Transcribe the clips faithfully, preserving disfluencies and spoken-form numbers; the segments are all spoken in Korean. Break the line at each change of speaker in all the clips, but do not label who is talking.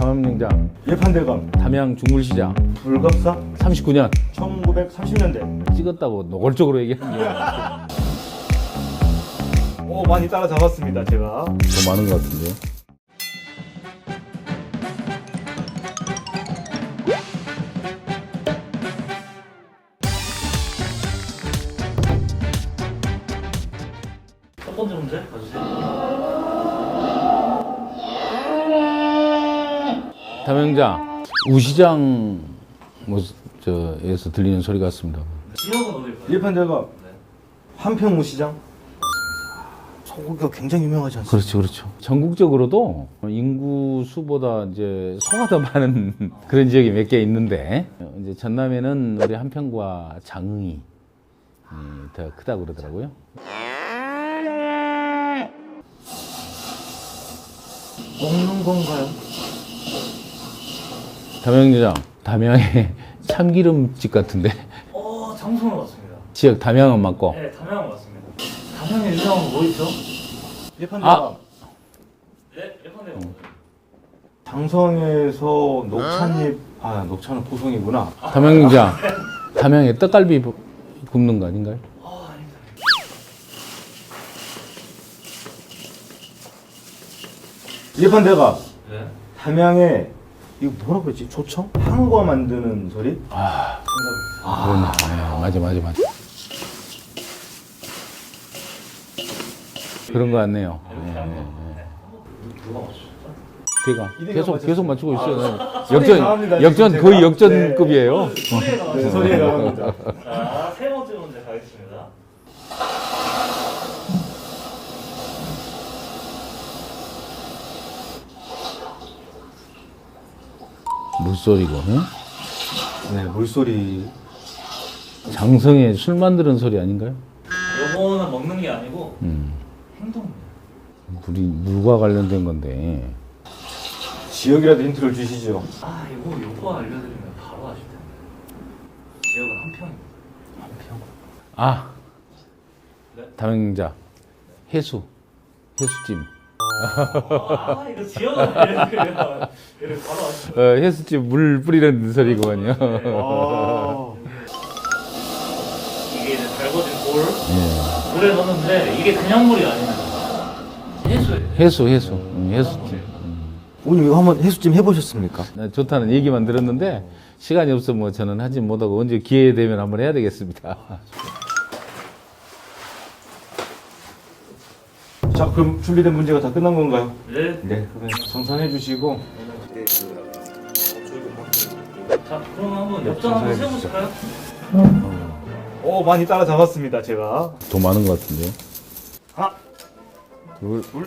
담양냉장,
예판대감,
담양 중물시장
불갑사,
삼십구 년
천구백삼십 년대.
찍었다고 노골적으로 얘기하는 게
오, 많이 따라잡았습니다, 제가.
더 많은 것 같은데요.
첫 번째 문제 봐주세요.
담양장 우시장 뭐 저에서 들리는 소리 같습니다.
지역은 어딜까요?
예판대감,
네.
한평무시장. 소고기가 굉장히 유명하지 않습니까?
그렇죠, 그렇죠. 전국적으로도 인구 수보다 이제 소가 더 많은 그런 지역이 몇 개 있는데 이제 전남에는 우리 한평과 장흥이 더 크다고 그러더라고요.
먹는 건가요?
담양장, 담양의 참기름집 같은데
어, 장소는 맞습니다.
지역 담양은 맞고.
네, 담양은 맞습니다. 담양에 유명한 거 뭐 있죠?
예판대감.
아!
네, 예컨대
장성에서 녹차잎, 아, 녹차는 포송이구나.
담양장, 담양에 떡갈비 굽는 거 아닌가요?
아, 아닙니다.
예판대감,
네.
담양에 이거 뭐라고 했지? 조청? 한과 만드는 소리?
아,
정답입니다.
그러네. 네, 맞아, 맞아, 맞아. 그런 거 같네요.
이렇게
네,
한
네,
거.
네.
네. 누가 맞추셨죠?
걔가
이대가
계속
맞췄어요.
계속 맞추고 있어요.
소리에 강합니다,
역전,
지금
역전
제가.
거의 역전급이에요.
소리에
네,
나왔어요.
소리에 나갑니다.
자, 세 번째 문제 가겠습니다.
물소리고, 응?
네, 물소리.
장성에 술 만드는 소리 아닌가요?
요거는 먹는 게 아니고
음,
행동입니다.
물이 물과 관련된 건데.
지역이라도 힌트를 주시죠.
아, 이거 요거 알려드리면 바로 아실 텐데. 지역은 한평입니다.
한평.
아,
네.
담양자 해수, 해수찜.
아, 이거 지역은 알려드리면 얘를 바로 아실 텐데.
어, 해수찜 물 뿌리는 소리구만요.
아,
이게 이제 달궈진 돌
예.
물에 넣는데 이게 그냥 물이 아닙니다. 해수예요.
해수, 해수, 음, 해수찜.
오늘 이거 한번 해수찜 해보셨습니까?
나 좋다는 얘기만 들었는데 시간이 없어 뭐 저는 하지 못하고 언제 기회 되면 한번 해야 되겠습니다.
자, 그럼 준비된 문제가 다 끝난 건가요?
네.
네, 그러면 정산해 주시고.
자, 그럼 한번 역전 한번 세워보실까요?
오, 많이 따라잡았습니다, 제가.
더 많은 것 같은데요?
하나,
둘,
둘,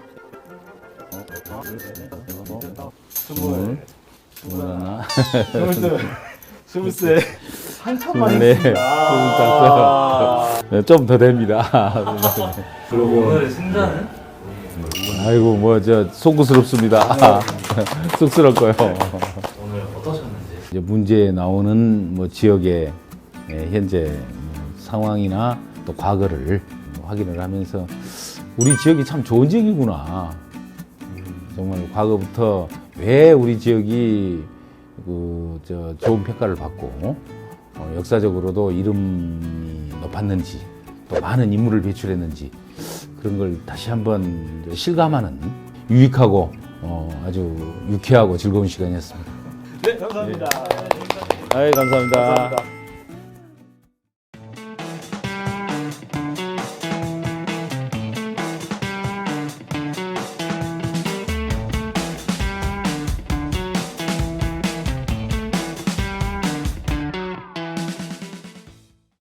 스물,
스물, 스물 하나,
스물셋, 스물셋. 한참만
스물네,
했습니다.
스물다섯. 좀 더 됩니다.
그러고
오늘의 승자는
아이고 뭐 저 송구스럽습니다. 쑥스럽고요.
오늘 어떠셨는지.
이제 문제에 나오는 뭐 지역의 예, 현재 뭐 상황이나 또 과거를 확인을 하면서 우리 지역이 참 좋은 지역이구나. 정말 과거부터 왜 우리 지역이 그 저 좋은 평가를 받고 어, 역사적으로도 이름이 높았는지 또 많은 인물을 배출했는지 그런 걸 다시 한번 실감하는 유익하고 어, 아주 유쾌하고 즐거운 시간이었습니다.
네, 감사합니다.
아이 감사합니다.
감사합니다.